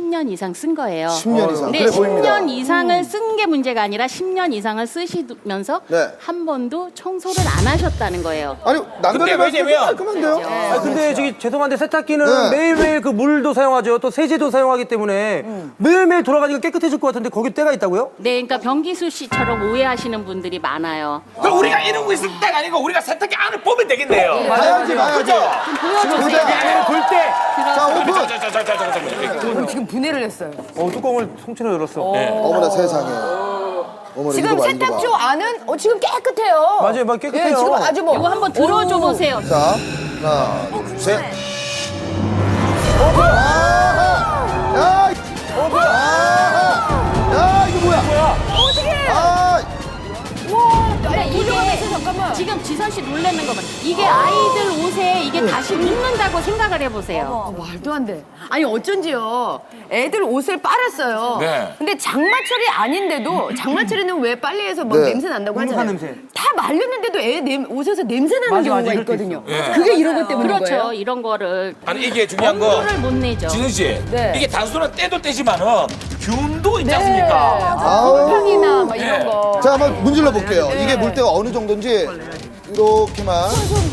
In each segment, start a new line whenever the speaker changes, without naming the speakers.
10년 이상 쓴 거예요.
10년 이상.
근데
그래 보입니다.
10년 이상을 쓴 게 문제가 아니라 10년 이상을 쓰시면서
네.
한 번도 청소를 안 하셨다는 거예요.
아니 남들의
근데 왜냐면-
깔끔한데요?
아 근데 저기 죄송한데 세탁기는
네.
매일매일 그 물도 사용하죠. 또 세제도 사용하기 때문에 매일매일 돌아가니까 깨끗해질 것 같은데 거기 때가 있다고요?
네, 그러니까 병기수 씨처럼 오해하시는 분들이 많아요.
그럼 우리가 이러고 있을 때가 아니고 우리가 세탁기 안을 보면 되겠네요.
봐야지 봐야지.
그죠?
좀 보여주세요.
보자.
볼 때.
자 오픈.
잠깐만.
지금 분해를 했어요.
뚜껑을 통째로 열었어.
어머나 세상에. 어머나
지금
이거 봐, 이거 봐.
세탁조 안은 지금 깨끗해요.
맞아요, 막 깨끗해요.
예, 지금 아주 뭐
이거 한번 들어줘 보세요.
자 하나 둘 셋. 오픈. 야. 오픈. 야 이거 뭐야?
어떻게?
아
그러니까 이게
잠깐만.
지금 지선 씨 놀라는 거 봐. 이게 아이들 옷에 이게 다시 묻는다고 생각을 해보세요.
말도 안 돼. 아니 어쩐지요. 애들 옷을 빨았어요.
네.
근데 장마철이 아닌데도 장마철에는 왜 빨래해서 막
네.
냄새 난다고
눅눅한
하잖아요.
냄새.
다 말렸는데도 애 옷에서 냄새 나는
맞아,
경우가
맞아, 이럴 때
있거든요.
있어.
그게 이런 것 때문인
그렇죠.
거예요.
이런 거를
아니 이게 중요한 거
엄두를 못 내죠.
진은 씨
네.
이게 단순한 때도 때지만은 균도 있지 않습니까?
아우.
곰팡이나 막 이런
네.
거.
자 한번 문질러 볼게요. 이게 물때가 어느 정도인지 이렇게만.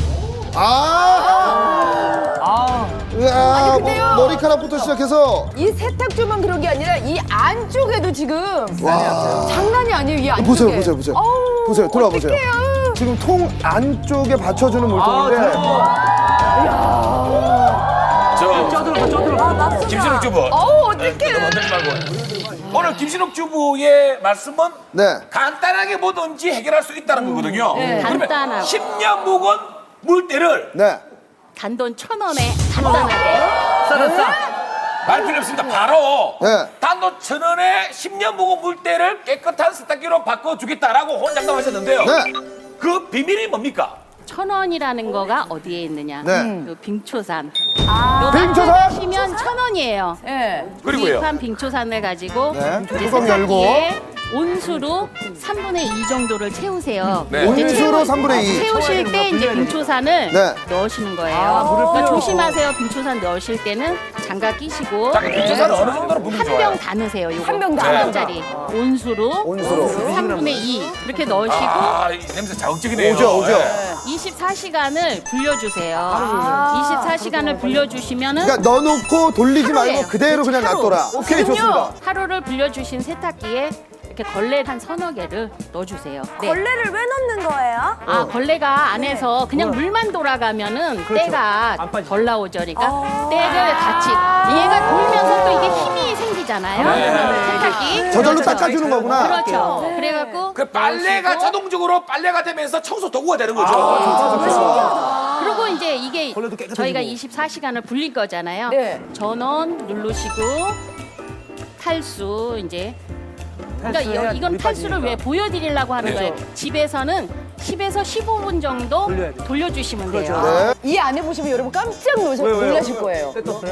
으아,
근데요.
머리카락부터 시작해서
이 세탁조만 그런 게 아니라 이 안쪽에도 지금 장난이 아니에요. 이 안쪽에.
보세요, 보세요, 보세요.
어우,
보세요, 들어와 보세요.
어떡해요.
지금 통 안쪽에 받쳐주는 물통인데
저 김신욱 주부.
어우, 어떡해요.
만들지 말고. 오늘 김신욱 주부의 말씀은
네.
간단하게 뭐든지 해결할 수 있다는 거거든요. 그러면
간단하고.
10년 묵은 물때를
네.
단돈 1,000원에 간단하게.
말 필요 없습니다. 바로
네.
단돈 1,000원에 10년 묵은 물때를 깨끗한 세탁기로 바꿔주겠다라고 혼장담하셨는데요.
네.
그 비밀이 뭡니까?
1,000원이라는 거가 어디에 있느냐?
네.
요 빙초산.
빙초산?
하시면 1,000원이에요.
예.
그리고요.
구입한 빙초산을 가지고
네.
이제
뚜껑 열고.
세탁기에 온수로 3분의 2 정도를 채우세요.
네.
이제
온수로 3분의 2.
채우실 때 이제 빙초산을
네.
넣으시는 거예요. 그러니까 조심하세요. 빙초산 넣으실 때는 장갑 끼시고
자, 빙초산은 어느 정도로 붓는 게
한
좋아요?
병 다 넣으세요. 요거.
한병 다.
한 병짜리 온수로
온수로.
3분의 2 그렇게 넣으시고
아, 이 냄새 자극적이네요.
오죠, 오죠.
예.
24시간을 불려주세요. 24시간을 불려주시면은
그러니까 넣어놓고 돌리지
하루예요.
말고 그대로 그냥
하루.
놔둬라. 오케이, 좋습니다.
하루를 불려주신 세탁기에 이렇게 걸레 한 서너 개를 넣어주세요. 네.
걸레를 왜 넣는 거예요?
아 걸레가 안에서 그냥 물만 돌아가면은 때가
안 빠지죠.
덜 나오죠. 그러니까 때를 같이 얘가 돌면서 또 이게 힘이 생기잖아요. 세탁기.
저절로 닦아주는 거구나.
그렇죠. 그래갖고
그 빨래가
넣으시고
자동적으로 빨래가 되면서 청소 도구가 되는 거죠.
그리고 이제 이게
걸레도 깨끗해지고.
저희가 24시간을 불릴 거잖아요.
네.
전원 누르시고 탈수 이제 그러니까
탈수해야
이건
물이
탈수를
빠지니까.
왜 보여드리려고 하는 거예요. 집에서는 10에서 15분 정도
돌려야 돼요.
돌려주시면 돼요.
네.
이 안에 보시면 여러분 깜짝
왜요?
놀라실 거예요.
떴어요?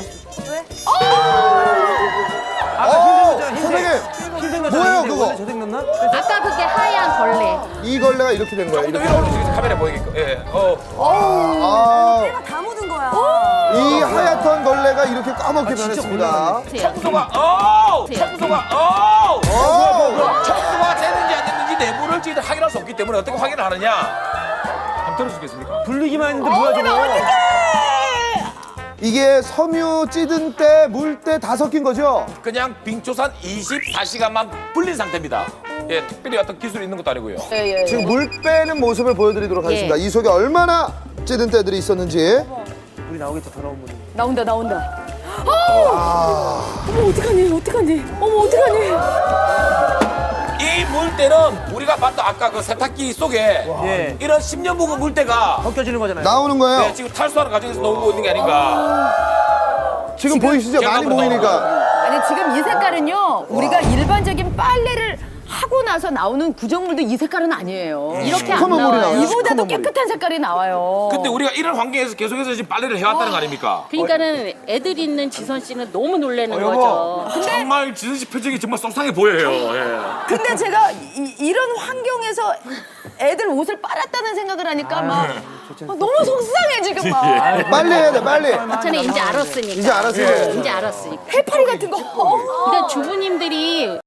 선생님, 뭐예요, 그거?
저색 넣나?
아까 그게 하얀 걸레.
이 걸레가 이렇게 된 거예요.
조금 더
이렇게.
위로 올려주세요. 카메라 보이게끔. 예.
아,
때가 다 묻은 거야.
이 하얗던 걸레가 이렇게 까맣게 변했습니다.
청소가 청소가 청소가 됐는지 안 됐는지 내부를 저희들 확인할 수 없기 때문에 어떻게 확인을 하느냐? 한번 들어주시겠습니까?
불리기만 했는데 뭐야 저거?
이게 섬유 찌든 때, 물 때 다 섞인 거죠?
그냥 빙초산 24시간만 불린 상태입니다. 예, 특별히 어떤 기술이 있는 것도 아니고요.
예, 예.
지금 물 빼는 모습을 보여드리도록 하겠습니다.
예.
이 속에 얼마나 찌든 때들이 있었는지.
물이 나오겠죠 더러운 물이.
나온다, 나온다. 어머, 어떡하니, 어떡하니. 어머, 어떡하니.
이 물때는 우리가 봤던 아까 그 세탁기 속에
예.
이런 10년 묵은 물때가
벗겨지는 거잖아요.
나오는 거예요.
네, 지금 탈수하는 과정에서 나오고 있는 게 아닌가.
지금 보이시죠? 많이
제가
보이니까.
아니, 지금 이 색깔은요, 우리가 일반적인 빨래를 하고 나서 나오는 구정물도 이 색깔은 아니에요.
이렇게 안
시커먼 물이
나와요.
나와요.
이보다도
시커먼 물이.
깨끗한 색깔이 나와요.
근데 우리가 이런 환경에서 계속해서 지금 빨래를 해왔다는 거 아닙니까?
그러니까는 애들 있는 지선 씨는 너무 놀라는 거죠.
정말 지선 씨 표정이 정말 속상해 보여요. 예.
근데 제가 이런 환경에서 애들 옷을 빨았다는 생각을 하니까 막 너무 속상해 지금 막.
빨리 해야 돼, 빨리.
저는 이제 알았으니까.
이제 알았어요.
이제 알았으니까.
해파리 같은 거.
그러니까 주부님들이